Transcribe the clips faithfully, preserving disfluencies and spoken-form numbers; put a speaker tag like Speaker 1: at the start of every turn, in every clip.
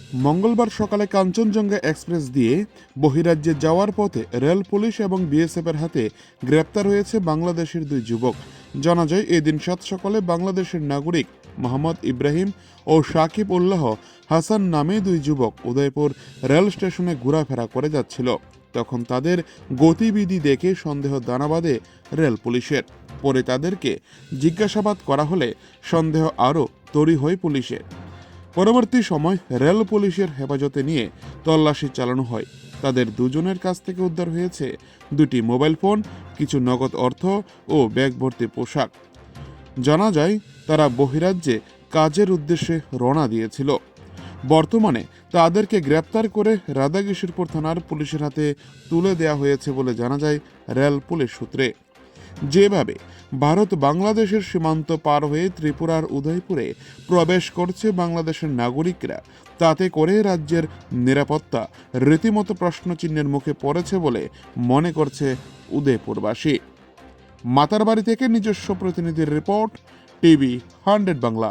Speaker 1: মঙ্গলবার সকালে কাঞ্চনজঙ্ঘা এক্সপ্রেস দিয়ে বহিরাজ্যে যাওয়ার পথে রেল পুলিশ এবং বিএসএফের হাতে গ্রেপ্তার হয়েছে বাংলাদেশের দুই যুবক। জানা যায় এদিন সাত সকালে বাংলাদেশের নাগরিক মোহাম্মদ ইব্রাহিম ও সাকিব উল্লাহ হাসান নামে দুই যুবক উদয়পুর রেল স্টেশনে ঘোরাফেরা করে যাচ্ছিল। তখন তাদের গতিবিধি দেখে সন্দেহ দানা বাঁধে রেল পুলিশের। পরে তাদেরকে জিজ্ঞাসাবাদ করা হলে সন্দেহ আরও তৈরি হয় পুলিশের। পরবর্তী সময় রেল পুলিশের হেফাজতে নিয়ে তল্লাশি চালানো হয়। তাদের দুজনের কাছ থেকে উদ্ধার হয়েছে দুটি মোবাইল ফোন, কিছু নগদ অর্থ ও ব্যাগ ভর্তি পোশাক। জানা যায় তারা বহিরাজ্যে কাজের উদ্দেশ্যে রওনা দিয়েছিল। বর্তমানে তাদেরকে গ্রেপ্তার করে রাধাকিশোরপুর থানার পুলিশের হাতে তুলে দেওয়া হয়েছে বলে জানা যায় রেল পুলিশ সূত্রে। যেভাবে ভারত বাংলাদেশের সীমান্ত পার হয়ে ত্রিপুরার উদয়পুরে প্রবেশ করছে বাংলাদেশের নাগরিকরা, তাতে করে রাজ্যের নিরাপত্তা রীতিমতো প্রশ্নচিহ্নের মুখে পড়েছে বলে মনে করছে উদয়পুরবাসী। মাতারবাড়ি থেকে নিজস্ব প্রতিনিধির রিপোর্ট, টিভি হান্ড্রেড বাংলা।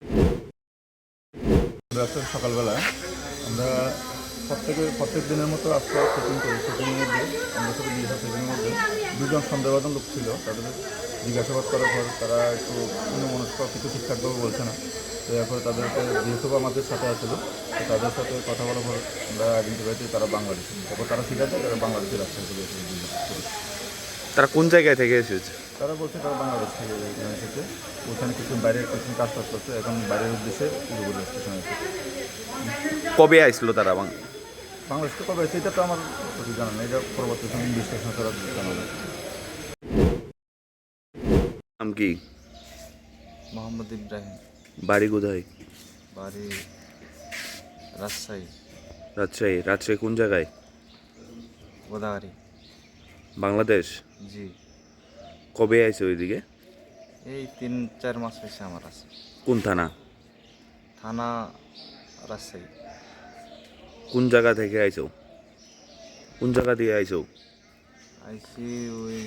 Speaker 2: সকালবেলা আমরা প্রত্যেকে প্রত্যেক দিনের মতো আজকে চেকিং করি। চেকিংয়ের মধ্যে আমরা সাথে বিএসএফ চেকিংয়ের মধ্যে দুজন সন্দেহবাদন লোক ছিল। তাদের জিজ্ঞাসাবাদ করার পর তারা একটু অন্যমনস্ক কিছু ঠিকঠাকভাবে বলছে না। তো এরপরে তাদেরকে বিএসএফ আমাদের সাথে আসলো। তো তাদের সাথে কথা বলার পর আমরা আইডেন্টিফাই করি তারা বাংলাদেশি। তারপর তারা ঠিক আছে, তারা বাংলাদেশি রাস্তায় চলে এসেছে।
Speaker 3: তারা কোন জায়গায় থেকে এসেছে?
Speaker 2: তারা বলছে তারা বাংলাদেশ থেকে এসেছে। ওখানে কিছু বাইরের কিছু কাজ টাজ করছে, এখন বাইরের উদ্দেশ্যে উদয়পুর স্টেশনে এসেছে।
Speaker 3: কবে আসলো তারা?
Speaker 2: বাংলাদেশ তো কবে সেটা তো আমার কিছু জানা নেই। এটা পরবর্তী সময় ইনভেস্টিগেশন করার জানা নেই।
Speaker 3: নাম কি?
Speaker 4: মোহাম্মদ ইব্রাহিম।
Speaker 3: বাড়ি কোথায়?
Speaker 4: বাড়ি রাজশাহী।
Speaker 3: রাজশাহী। রাজশাহী কোন জায়গায়?
Speaker 4: গোদাগাড়ি।
Speaker 3: বাংলাদেশ?
Speaker 4: জি।
Speaker 3: কবে আইছে ওইদিকে?
Speaker 4: এই তিন চার মাস হয়েছে আমার আছে।
Speaker 3: কোন থানা?
Speaker 4: থানা রাজশাহী।
Speaker 3: কোন জায়গা থেকে আইছো? কোন জায়গা দিয়ে আইছো?
Speaker 4: আইসি ওই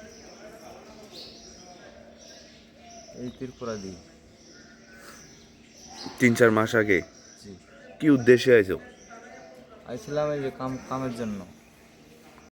Speaker 4: এই ত্রিপুরা দি।
Speaker 3: তিন চার মাস আগে?
Speaker 4: জি।
Speaker 3: কি উদ্দেশ্যে আইছো?
Speaker 4: আইছিলাম এই যে কাম কামের জন্য।